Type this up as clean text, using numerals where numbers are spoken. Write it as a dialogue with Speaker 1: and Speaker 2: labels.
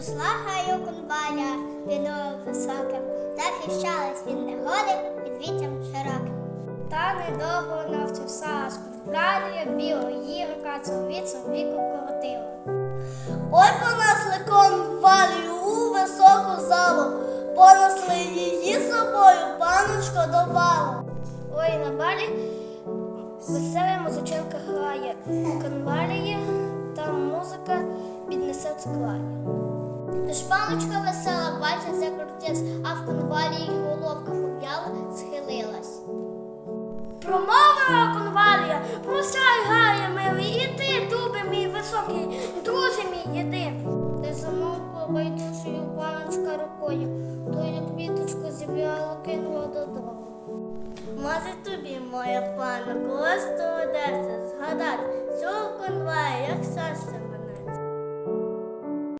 Speaker 1: Росла гаю конваля, віною високим, захищалась від негоди під віттям широким. Та недовго навчився, аж конвалія білого їрка ціловіцю віку коротила.
Speaker 2: Ой, понесли конвалію у високу залу, понесли її собою, паночко, до балу.
Speaker 1: Ой, на балі весела музиченка грає, конвалії там музика піднесе склає. Тож паночка весела, бальця закрутилась, а в конвалії головка пов'яла, схилилась.
Speaker 2: Промовила конвалія, прощай, грає милий, і ти, дубе мій високий, друже мій єдиний.
Speaker 1: Та замовкла байдужою паночка рукою, тою квіточку зібрала, кинула додому.
Speaker 2: Може тобі, моя пана, колись доведеться згадати цю конвалію, як щастя